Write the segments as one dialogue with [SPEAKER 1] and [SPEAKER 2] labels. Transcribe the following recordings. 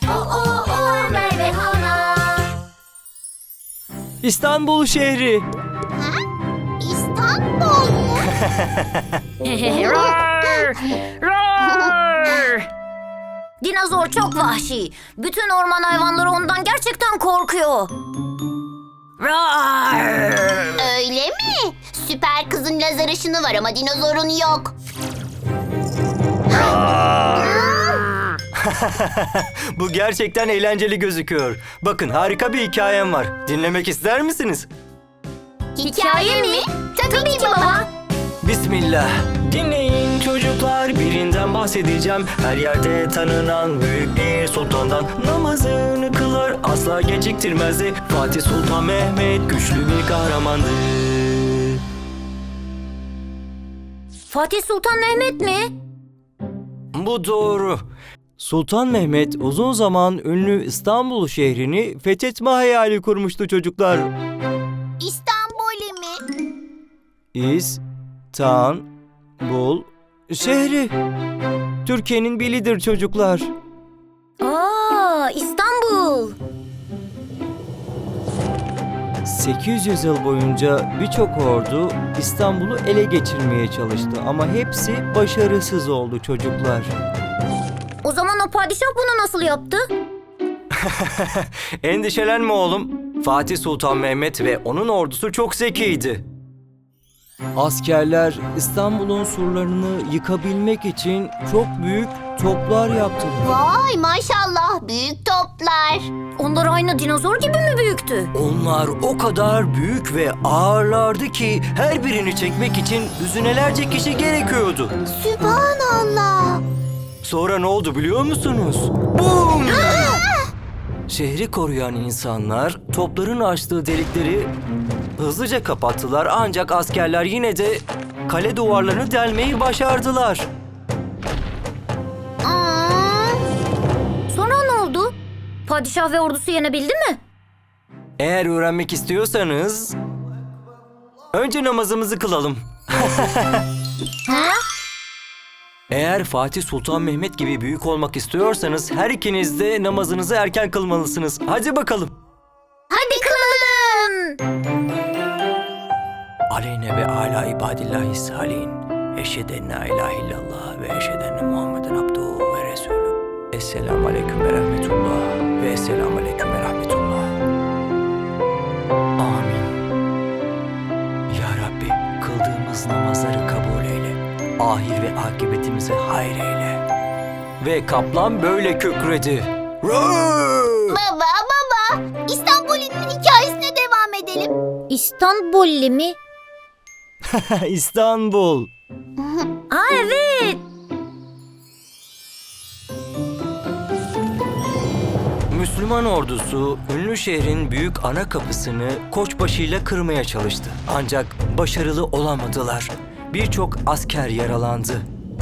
[SPEAKER 1] O Merve hala.
[SPEAKER 2] İstanbul şehri.
[SPEAKER 3] İstanbul mu?
[SPEAKER 1] Dinozor çok vahşi. Bütün orman hayvanları ondan gerçekten korkuyor.
[SPEAKER 3] Öyle mi? Süper kızın lazer ışını var ama dinozorun yok.
[SPEAKER 2] Bu gerçekten eğlenceli gözüküyor. Bakın harika bir hikayem var. Dinlemek ister misiniz?
[SPEAKER 3] Hikaye mi? Tabii ki baba.
[SPEAKER 2] Bismillah. Dinleyin çocuklar, birinden bahsedeceğim. Her yerde tanınan büyük bir sultandan. Namazını kılar, asla geciktirmezdi. Fatih Sultan Mehmet güçlü bir kahramandı.
[SPEAKER 1] Fatih Sultan Mehmet mi?
[SPEAKER 2] Bu doğru. Sultan Mehmet uzun zaman ünlü İstanbul şehrini fethetme hayali kurmuştu çocuklar.
[SPEAKER 3] İstanbul mi?
[SPEAKER 2] İstanbul şehri. Türkiye'nin bilidir çocuklar.
[SPEAKER 1] İstanbul.
[SPEAKER 2] 800 yıl boyunca birçok ordu İstanbul'u ele geçirmeye çalıştı ama hepsi başarısız oldu çocuklar.
[SPEAKER 1] O zaman o padişah bunu nasıl yaptı?
[SPEAKER 2] Endişelenme oğlum. Fatih Sultan Mehmet ve onun ordusu çok zekiydi. Askerler İstanbul'un surlarını yıkabilmek için çok büyük toplar yaptılar.
[SPEAKER 3] Vay maşallah büyük toplar.
[SPEAKER 1] Onlar aynı dinozor gibi mi büyüktü?
[SPEAKER 2] Onlar o kadar büyük ve ağırlardı ki her birini çekmek için düzinelerce kişi gerekiyordu.
[SPEAKER 3] Sübhanallah.
[SPEAKER 2] Sonra ne oldu biliyor musunuz? Bum! Şehri koruyan insanlar topların açtığı delikleri hızlıca kapattılar ancak askerler yine de kale duvarlarını delmeyi başardılar.
[SPEAKER 1] Sonra ne oldu? Padişah ve ordusu yenebildi mi?
[SPEAKER 2] Eğer öğrenmek istiyorsanız önce namazımızı kılalım. Eğer Fatih Sultan Mehmet gibi büyük olmak istiyorsanız her ikiniz de namazınızı erken kılmalısınız. Hadi bakalım.
[SPEAKER 3] Hadi kılalım.
[SPEAKER 2] Aleyne ve ala ibadillahi salihin. Eşheden la ilahe illallah ve eşheden Muhammeden abduhu ve resulü. Esselamu aleyküm ve rahmetullah ve esselamu aleyküm ve rahmetullah. Amin. Ya Rabbi kıldığımız namazları kabul eyle. Ahir ve akıbetimizi hayır eyle. Ve kaplan böyle kükredi.
[SPEAKER 3] Baba. İstanbul'un hikayesine devam edelim.
[SPEAKER 1] İstanbulli mi?
[SPEAKER 2] İstanbul.
[SPEAKER 1] Evet.
[SPEAKER 2] Müslüman ordusu ünlü şehrin büyük ana kapısını koçbaşıyla kırmaya çalıştı. Ancak başarılı olamadılar. Birçok asker yaralandı.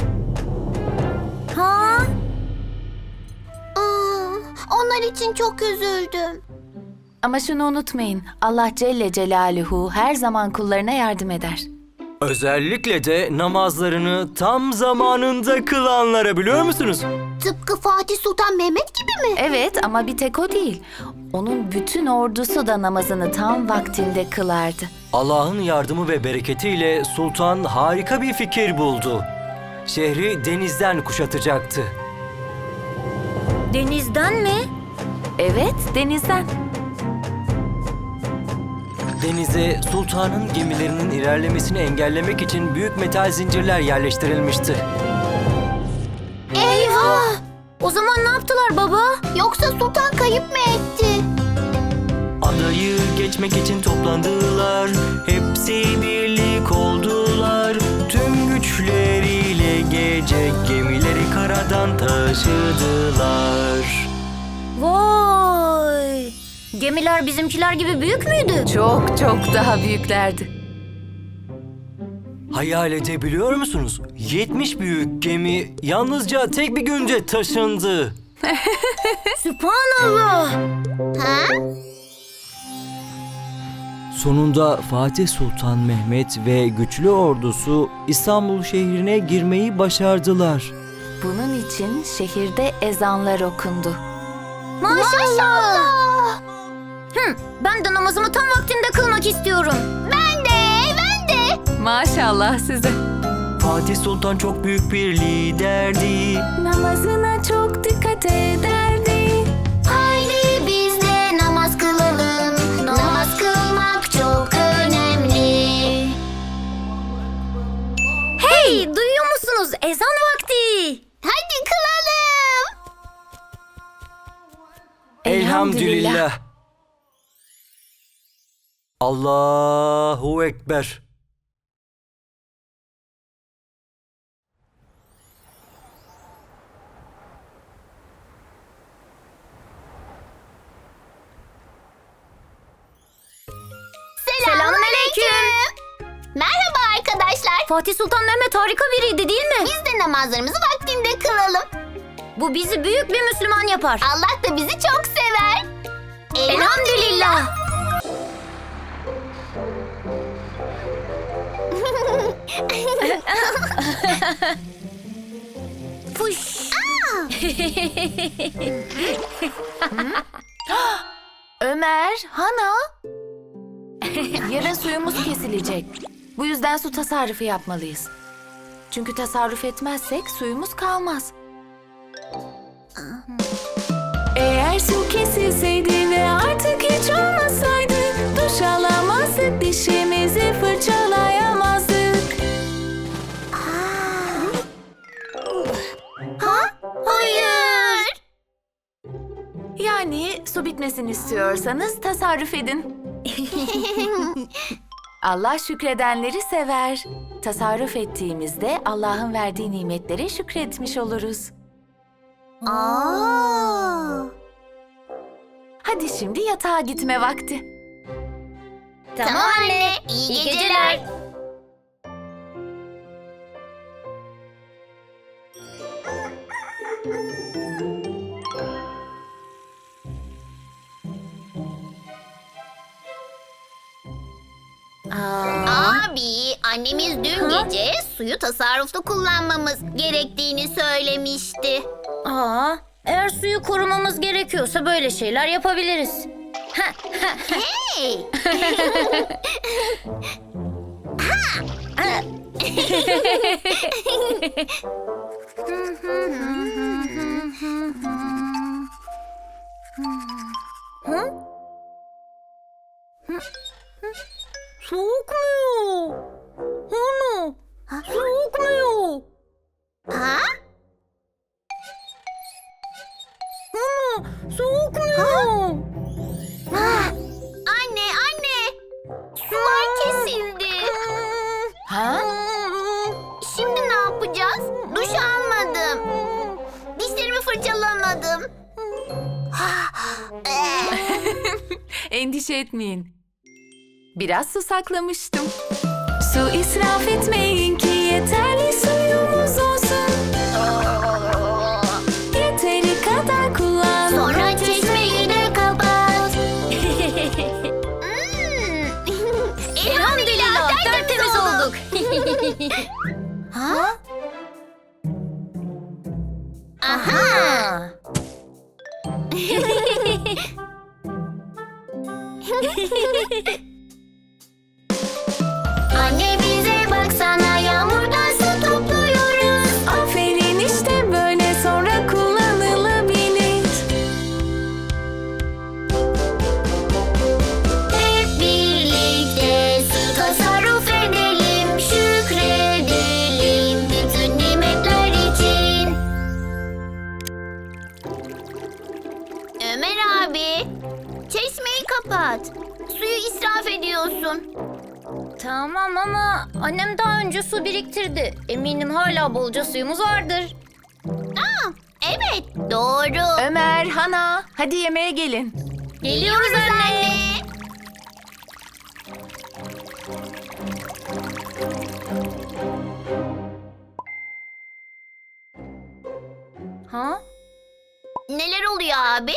[SPEAKER 3] Onlar için çok üzüldüm.
[SPEAKER 4] Ama şunu unutmayın, Allah Celle Celaluhu her zaman kullarına yardım eder.
[SPEAKER 2] Özellikle de namazlarını tam zamanında kılanlara biliyor musunuz?
[SPEAKER 3] Tıpkı Fatih Sultan Mehmet gibi mi?
[SPEAKER 4] Evet ama bir tek o değil. Onun bütün ordusu da namazını tam vaktinde kılardı.
[SPEAKER 2] Allah'ın yardımı ve bereketiyle sultan harika bir fikir buldu. Şehri denizden kuşatacaktı.
[SPEAKER 1] Denizden mi?
[SPEAKER 4] Evet, denizden.
[SPEAKER 2] Denize sultanın gemilerinin ilerlemesini engellemek için büyük metal zincirler yerleştirilmişti.
[SPEAKER 3] Eyvah!
[SPEAKER 1] O zaman ne yaptılar baba?
[SPEAKER 3] Yoksa sultan kayıp mı etti?
[SPEAKER 2] Adayı geçmek için toplandılar. Hepsi birlik oldular. Tüm güçleriyle gece gemileri karadan taşıdılar.
[SPEAKER 1] Vay! Gemiler bizimkiler gibi büyük müydü?
[SPEAKER 4] Çok çok daha büyüklerdi.
[SPEAKER 2] Hayal edebiliyor musunuz? 70 büyük gemi yalnızca tek bir günde taşındı.
[SPEAKER 1] Sübhanallah!
[SPEAKER 2] Sonunda Fatih Sultan Mehmet ve güçlü ordusu İstanbul şehrine girmeyi başardılar.
[SPEAKER 4] Bunun için şehirde ezanlar okundu.
[SPEAKER 1] Maşallah. Ben de namazımı tam vaktinde kılmak istiyorum.
[SPEAKER 3] Ben de.
[SPEAKER 4] Maşallah size.
[SPEAKER 2] Fatih Sultan çok büyük bir liderdi.
[SPEAKER 4] Namazına çok dikkat ederdi.
[SPEAKER 3] Haydi biz de namaz kılalım. Namaz kılmak çok önemli.
[SPEAKER 1] Hey, duyuyor musunuz? Ezan vakti.
[SPEAKER 3] Hadi kılalım.
[SPEAKER 2] Elhamdülillah. Allahu Ekber.
[SPEAKER 1] Selamünaleyküm.
[SPEAKER 3] Merhaba arkadaşlar.
[SPEAKER 1] Fatih Sultan Mehmet harika biriydi değil mi?
[SPEAKER 3] Biz de namazlarımızı vaktinde kılalım.
[SPEAKER 1] Bu bizi büyük bir Müslüman yapar.
[SPEAKER 3] Allah da bizi çok sever.
[SPEAKER 1] Elhamdülillah. Fuş.
[SPEAKER 4] Ömer, Hana. Yarın suyumuz kesilecek. Bu yüzden su tasarrufu yapmalıyız. Çünkü tasarruf etmezsek suyumuz kalmaz. Eğer su kesilseydi ve artık hiç olmasaydı, duş alamazdık, dişimizi fırçalayamazdık.
[SPEAKER 3] Hayır.
[SPEAKER 4] Yani su bitmesini istiyorsanız tasarruf edin. Allah şükredenleri sever. Tasarruf ettiğimizde Allah'ın verdiği nimetlere şükretmiş oluruz. Hadi şimdi yatağa gitme vakti.
[SPEAKER 1] Tamam anne.
[SPEAKER 3] İyi geceler. Abi, annemiz dün gece suyu tasarruflu kullanmamız gerektiğini söylemişti.
[SPEAKER 1] Eğer suyu korumamız gerekiyorsa böyle şeyler yapabiliriz.
[SPEAKER 3] Hey!
[SPEAKER 1] Soğukmuyor. Ana, soğukmuyor.
[SPEAKER 3] Ha?
[SPEAKER 1] Ana, soğukmuyor.
[SPEAKER 3] Anne! Sular kesildi.
[SPEAKER 4] Ha?
[SPEAKER 3] Şimdi ne yapacağız? Duş almadım. Dişlerimi fırçalamadım.
[SPEAKER 4] Endişe etmeyin. Biraz su saklamıştım. Su israf etmeyin ki yeterli suyumuz olsun. Yeteri kadar kullan.
[SPEAKER 3] Sonra çeşmeyi de kapat.
[SPEAKER 1] Elhamdülillah, tertemiz olduk.
[SPEAKER 3] Ha? Aha! Anne bize baksana, yağmurdan su topluyoruz.
[SPEAKER 4] Aferin, işte böyle sonra kullanılabilir.
[SPEAKER 3] Hep birlikte su tasarruf edelim, şükredelim bütün nimetler için. Ömer abi, çeşmeyi kapat. Suyu israf ediyorsun.
[SPEAKER 1] Tamam ama annem daha önce su biriktirdi. Eminim hala bolca suyumuz vardır.
[SPEAKER 3] Evet, doğru.
[SPEAKER 4] Ömer, Hana, hadi yemeğe gelin.
[SPEAKER 1] Geliyoruz anne. Ha?
[SPEAKER 3] Neler oluyor abi?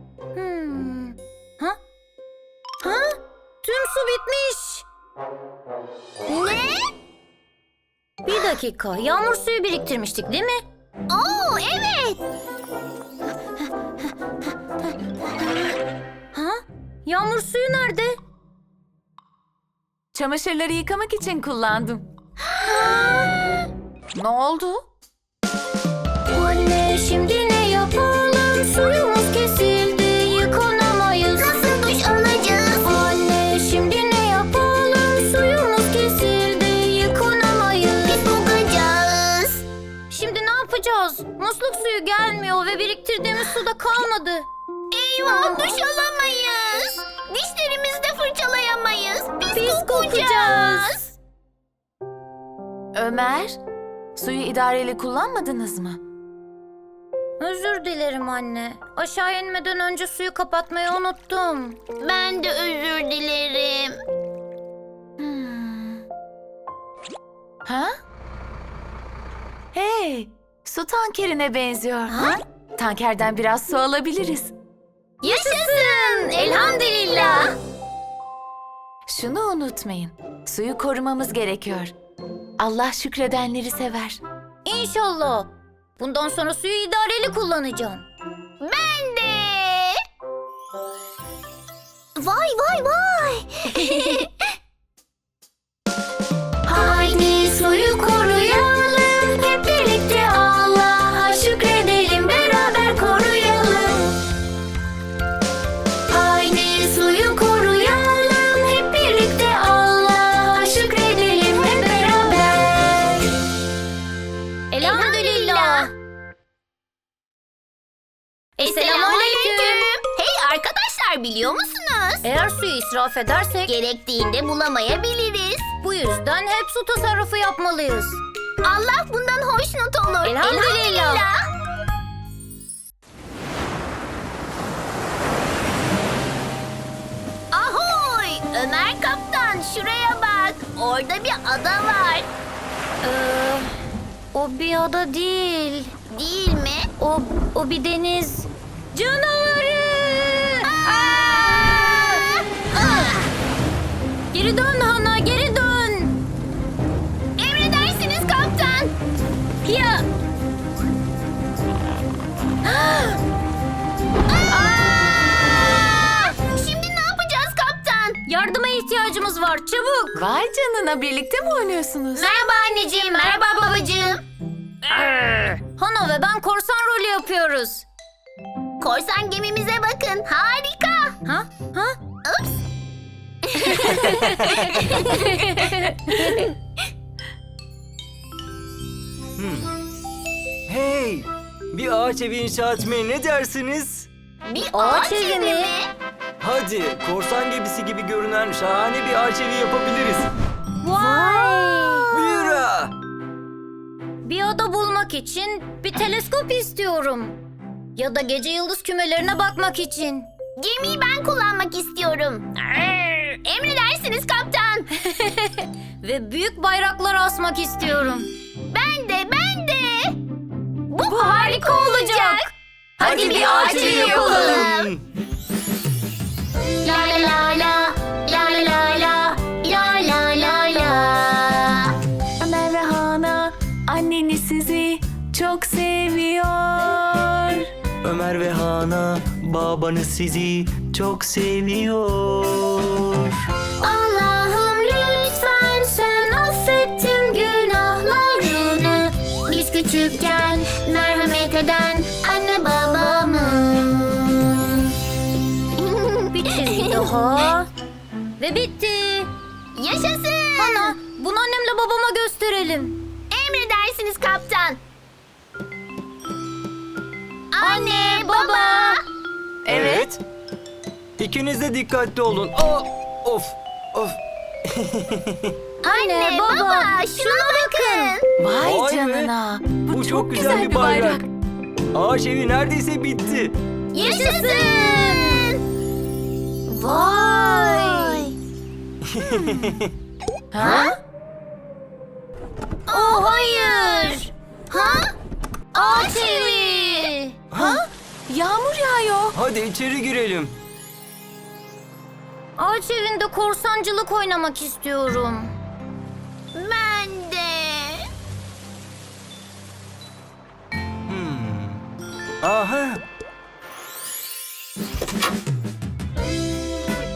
[SPEAKER 1] Ha? Ha? Tüm su bitmiş.
[SPEAKER 3] Ne?
[SPEAKER 1] Bir dakika, yağmur suyu biriktirmiştik değil mi?
[SPEAKER 3] Oo, evet.
[SPEAKER 1] Yağmur suyu nerede?
[SPEAKER 4] Çamaşırları yıkamak için kullandım. Ne oldu?
[SPEAKER 1] Anne şimdi ne yapalım? Suyumuz kesildi, yıkanamayız.
[SPEAKER 3] Nasıl duş alacağız?
[SPEAKER 1] Anne şimdi ne yapalım? Suyumuz kesildi, yıkanamayız.
[SPEAKER 3] Biz kokacağız.
[SPEAKER 1] Şimdi ne yapacağız? Musluk suyu gelmiyor ve biriktirdiğimiz su da kalmadı.
[SPEAKER 3] Eyvah, duş alamayız. Dişlerimizi de fırçalayamayız. Biz
[SPEAKER 1] kokacağız.
[SPEAKER 4] Ömer, suyu idareli kullanmadınız mı?
[SPEAKER 1] Özür dilerim anne. Aşağı inmeden önce suyu kapatmayı unuttum.
[SPEAKER 3] Ben de özür dilerim.
[SPEAKER 4] Ha? Hey, su tankerine benziyor. Ha? Tankerden biraz su alabiliriz.
[SPEAKER 3] Yaşasın! Elhamdülillah.
[SPEAKER 4] Şunu unutmayın, suyu korumamız gerekiyor. Allah şükredenleri sever.
[SPEAKER 1] İnşallah. Bundan sonra suyu idareli kullanacağım.
[SPEAKER 3] Ben de. Vay vay vay.
[SPEAKER 1] Haydi suyu koruyalım. Hep birlikte Allah'a şükredelim. Beraber koruyalım. Haydi suyu koruyalım. Hep birlikte Allah'a şükredelim. Hep beraber. Elhamdülillah. Selamünaleyküm.
[SPEAKER 3] Hey arkadaşlar, biliyor musunuz?
[SPEAKER 1] Eğer suyu israf edersek
[SPEAKER 3] Gerektiğinde bulamayabiliriz.
[SPEAKER 1] bu yüzden hep su tasarrufu yapmalıyız.
[SPEAKER 3] Allah bundan hoşnut olur.
[SPEAKER 1] Elhamdülillah.
[SPEAKER 3] Ahoy! Ömer kaptan, şuraya bak. Orada bir ada var.
[SPEAKER 1] O bir ada değil.
[SPEAKER 3] Değil mi?
[SPEAKER 1] O bir deniz. Canavarı! Geri dön Hana, geri dön.
[SPEAKER 3] Emredersiniz kaptan.
[SPEAKER 1] Ya.
[SPEAKER 3] Şimdi ne yapacağız kaptan?
[SPEAKER 1] Yardıma ihtiyacımız var, çabuk.
[SPEAKER 4] Vay canına, birlikte mi oynuyorsunuz?
[SPEAKER 3] Merhaba anneciğim, merhaba babacığım.
[SPEAKER 1] Hana ve ben korsan rolü yapıyoruz.
[SPEAKER 3] Korsan gemimize bakın, harika.
[SPEAKER 1] Ha?
[SPEAKER 3] Ups.
[SPEAKER 2] Hey! Bir ağaç evi inşa etmeye ne dersiniz?
[SPEAKER 3] Bir
[SPEAKER 1] Ağaç
[SPEAKER 3] ağaç
[SPEAKER 1] evi
[SPEAKER 3] evi
[SPEAKER 1] mi?
[SPEAKER 3] mi?
[SPEAKER 2] Hadi korsan gemisi gibi görünen şahane bir ağaç evi yapabiliriz.
[SPEAKER 1] Vay!
[SPEAKER 2] Büyüra!
[SPEAKER 1] Bir ada bulmak için bir teleskop istiyorum. Ya da gece yıldız kümelerine bakmak için.
[SPEAKER 3] Gemiyi ben kullanmak istiyorum. Emredersiniz kaptan.
[SPEAKER 1] Ve büyük bayraklar asmak istiyorum.
[SPEAKER 3] Ben de.
[SPEAKER 1] Bu harika olacak.
[SPEAKER 3] Hadi bir ağaç evi yapalım. La la la la, la la la la, la la la la.
[SPEAKER 4] Ömer ve Hana, anneniz sizi çok seviyor.
[SPEAKER 2] Ömer ve Hana babanız sizi çok seviyor.
[SPEAKER 1] Allah'ım lütfen sen affet tüm günahlarını. Biz küçükken merhamet eden anne babamı. Bir çizgi daha. Ve bitti.
[SPEAKER 3] Yaşasın.
[SPEAKER 1] Ana, bunu annemle babama gösterelim.
[SPEAKER 3] Emredersiniz kaptan. Anne, baba.
[SPEAKER 2] Evet. İkiniz de dikkatli olun. Aa, of.
[SPEAKER 1] Anne, baba,
[SPEAKER 3] şuna bakın.
[SPEAKER 4] Vay
[SPEAKER 2] Vay be.
[SPEAKER 4] canına,
[SPEAKER 2] Bu çok güzel bir bayrak. Ağaç evi neredeyse bitti.
[SPEAKER 3] Yaşasın.
[SPEAKER 1] Vay.
[SPEAKER 4] Ha?
[SPEAKER 1] Oh hayır.
[SPEAKER 3] Ha?
[SPEAKER 1] Ağaç evi.
[SPEAKER 4] Ha? Yağmur yağıyor.
[SPEAKER 2] Hadi içeri girelim.
[SPEAKER 1] Ağaç evinde korsancılık oynamak istiyorum.
[SPEAKER 3] Ben de.
[SPEAKER 2] Aha.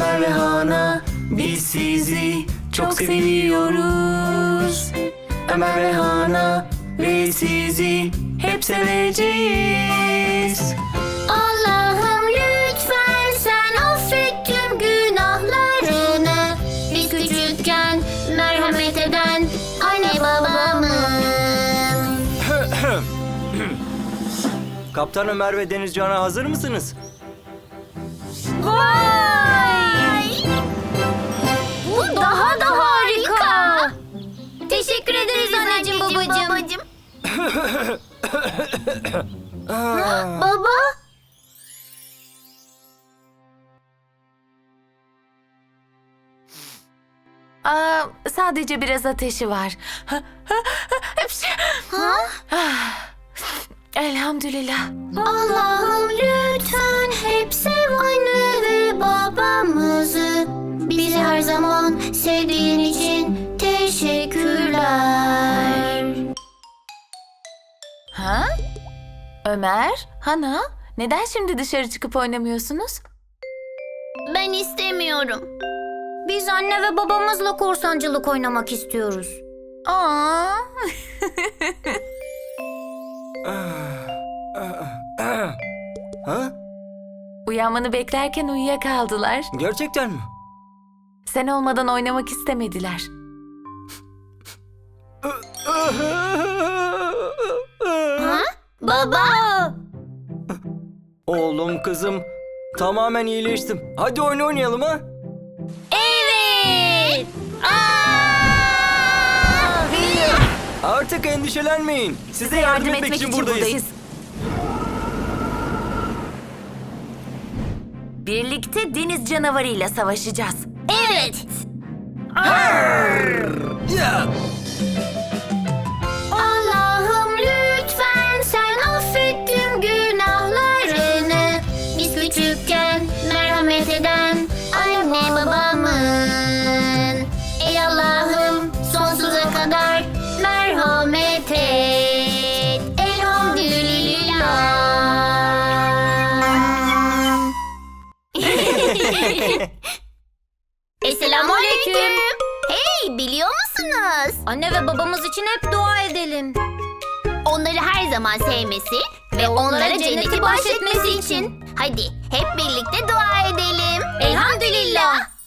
[SPEAKER 2] Ömer ve Hana, biz sizi çok seviyoruz. Ömer ve Hana ve sizi hep seveceğiz.
[SPEAKER 3] Allah'ım lütfen sen affet tüm günahlarını. Biz küçükken merhamet eden anne babamın.
[SPEAKER 2] Kaptan Ömer ve Denizcan'a hazır mısınız?
[SPEAKER 3] Vay! Bu daha da harika.
[SPEAKER 1] Teşekkür ederiz anneciğim babacığım.
[SPEAKER 3] Baba?
[SPEAKER 4] Sadece biraz ateşi var. Elhamdülillah.
[SPEAKER 3] Allah'ım lütfen hep sev anne ve babamızı. Bizi her zaman sevdiğin için teşekkürler.
[SPEAKER 4] Ha? Ömer, Hana, neden şimdi dışarı çıkıp oynamıyorsunuz?
[SPEAKER 3] Ben istemiyorum.
[SPEAKER 1] Biz anne ve babamızla korsancılık oynamak istiyoruz.
[SPEAKER 4] Aa.
[SPEAKER 2] Ha?
[SPEAKER 4] Uyanmanı beklerken uyuyakaldılar.
[SPEAKER 2] Gerçekten mi?
[SPEAKER 4] Sen olmadan oynamak istemediler.
[SPEAKER 3] Baba!
[SPEAKER 2] Oğlum, kızım, tamamen iyileştim. Hadi oyun oynayalım ha.
[SPEAKER 3] Evet!
[SPEAKER 2] Artık endişelenmeyin. Size yardım etmek için buradayız.
[SPEAKER 4] Birlikte deniz canavarıyla savaşacağız.
[SPEAKER 3] Evet!
[SPEAKER 2] Ya!
[SPEAKER 3] Allah'ım lütfen sen affet tüm günahlarını. Biz küçükken merhamet eden anne babamın. Ey Allah'ım sonsuza kadar merhamet et. Elhamdülillah. Selamünaleyküm. Hey, biliyor musunuz?
[SPEAKER 1] Anne ve babamız için hep dua edelim.
[SPEAKER 3] Onları her zaman sevmesi ve onlara cenneti bahşetmesi için. Hadi hep birlikte dua edelim.
[SPEAKER 1] Elhamdülillah.